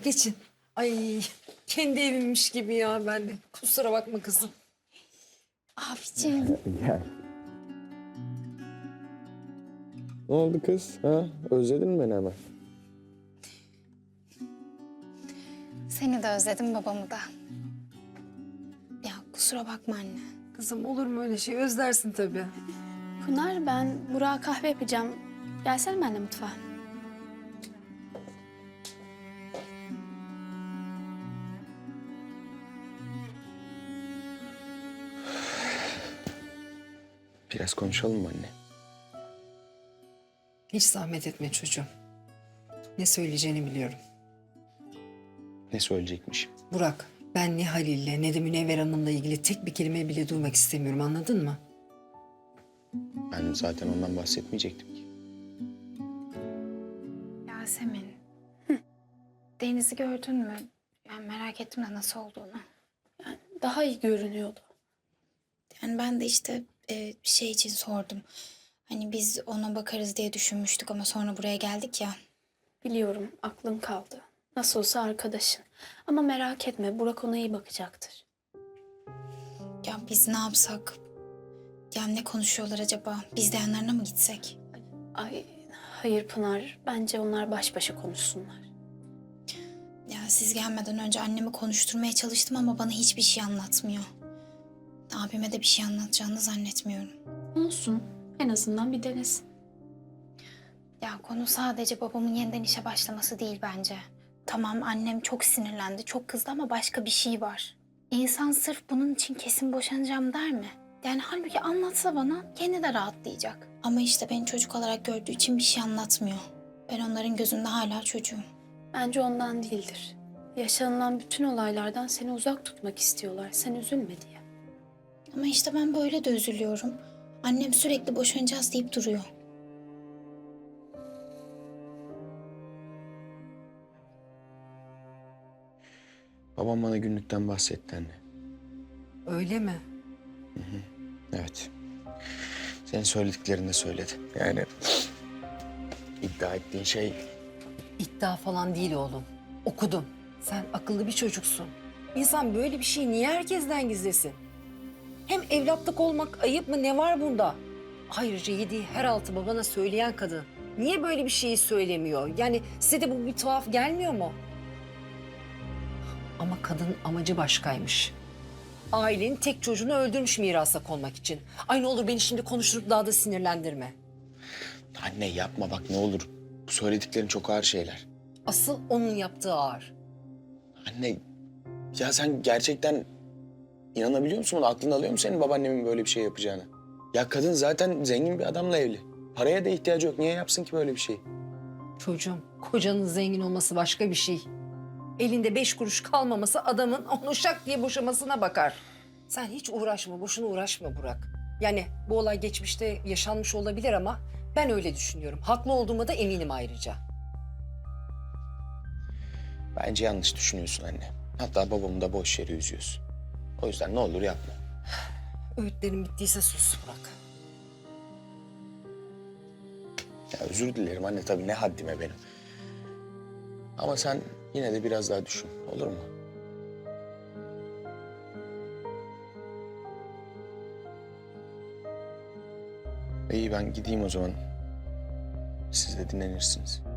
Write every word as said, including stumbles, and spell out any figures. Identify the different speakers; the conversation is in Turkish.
Speaker 1: geçin. Ay kendi evimmiş gibi ya ben de. Kusura bakma kızım.
Speaker 2: Abicim.
Speaker 3: Gel. Ne oldu kız? Ha? Özledin mi beni hemen?
Speaker 2: Seni de özledim, babamı da. Ya kusura bakma anne.
Speaker 1: Kızım olur mu öyle şey? Özlersin tabii.
Speaker 4: Pınar, ben Burak'a kahve yapacağım. Gelsene benimle mutfağa.
Speaker 3: Biraz konuşalım mı anne?
Speaker 1: Hiç zahmet etme çocuğum. Ne söyleyeceğini biliyorum.
Speaker 3: Ne söyleyecekmişim?
Speaker 1: Burak, ben ne Halil'le ne de Münevver Hanım'la ilgili tek bir kelime bile duymak istemiyorum, anladın mı?
Speaker 3: Ben zaten ondan bahsetmeyecektim ki.
Speaker 2: Yasemin. Deniz'i gördün mü? Yani merak ettim de nasıl olduğunu.
Speaker 4: Daha iyi görünüyordu.
Speaker 2: Yani ben de işte e, şey için sordum. Hani biz ona bakarız diye düşünmüştük ama sonra buraya geldik ya.
Speaker 4: Biliyorum, aklım kaldı. Nasıl olsa arkadaşın. Ama merak etme, Burak ona iyi bakacaktır.
Speaker 2: Ya biz ne yapsak? Ya ne konuşuyorlar acaba? Biz de yanlarına mı gitsek?
Speaker 4: Ay, hayır Pınar. Bence onlar baş başa konuşsunlar.
Speaker 2: Ya siz gelmeden önce annemi konuşturmaya çalıştım ama bana hiçbir şey anlatmıyor. Abime de bir şey anlatacağını zannetmiyorum.
Speaker 4: Olsun. En azından bir denesin.
Speaker 2: Ya konu sadece babamın yeniden işe başlaması değil bence. Tamam, annem çok sinirlendi, çok kızdı ama başka bir şey var. İnsan sırf bunun için kesin boşanacağım der mi? Yani halbuki anlatsa bana kendi de rahatlayacak. Ama işte beni çocuk olarak gördüğü için bir şey anlatmıyor. Ben onların gözünde hala çocuğum.
Speaker 4: Bence ondan değildir. Yaşanılan bütün olaylardan seni uzak tutmak istiyorlar. Sen üzülme diye.
Speaker 2: Ama işte ben böyle de üzülüyorum. Annem sürekli boşanacağız deyip duruyor.
Speaker 3: Babam bana günlükten bahsetti anne.
Speaker 1: Öyle mi?
Speaker 3: Evet. Senin söylediklerini de söyledi. Yani iddia ettiğin şey
Speaker 1: İddia falan değil oğlum. Okudum. Sen akıllı bir çocuksun. İnsan böyle bir şeyi niye herkesten gizlesin? Hem evlatlık olmak ayıp mı, ne var bunda? Ayrıca yediği her altı babana söyleyen kadın niye böyle bir şeyi söylemiyor? Yani size de bu bir tuhaf gelmiyor mu? Ama kadının amacı başkaymış. Ailenin tek çocuğunu öldürmüş mirasa konmak için. Ay ne olur beni şimdi konuşturup daha da sinirlendirme.
Speaker 3: anne yapma bak ne olur. Bu söylediklerin çok ağır şeyler.
Speaker 1: Asıl onun yaptığı ağır.
Speaker 3: Anne ya sen gerçekten inanabiliyor musun buna? Aklın alıyor mu senin babaannemin böyle bir şey yapacağını? Ya kadın zaten zengin bir adamla evli. Paraya da ihtiyacı yok. Niye yapsın ki böyle bir şey?
Speaker 1: Çocuğum, kocanın zengin olması başka bir şey. Elinde beş kuruş kalmaması adamın onu şak diye boşamasına bakar. Sen hiç uğraşma, boşuna uğraşma Burak. Yani bu olay geçmişte yaşanmış olabilir ama ben öyle düşünüyorum. Haklı olduğuma da eminim ayrıca.
Speaker 3: Bence yanlış düşünüyorsun anne. Hatta babamı da boş yere üzüyorsun. O yüzden ne olur yapma.
Speaker 1: Öğütlerin bittiyse sus Burak.
Speaker 3: Ya özür dilerim anne tabii ne haddime benim. Ama sen yine de biraz daha düşün olur mu? İyi ben gideyim o zaman. Siz de dinlenirsiniz.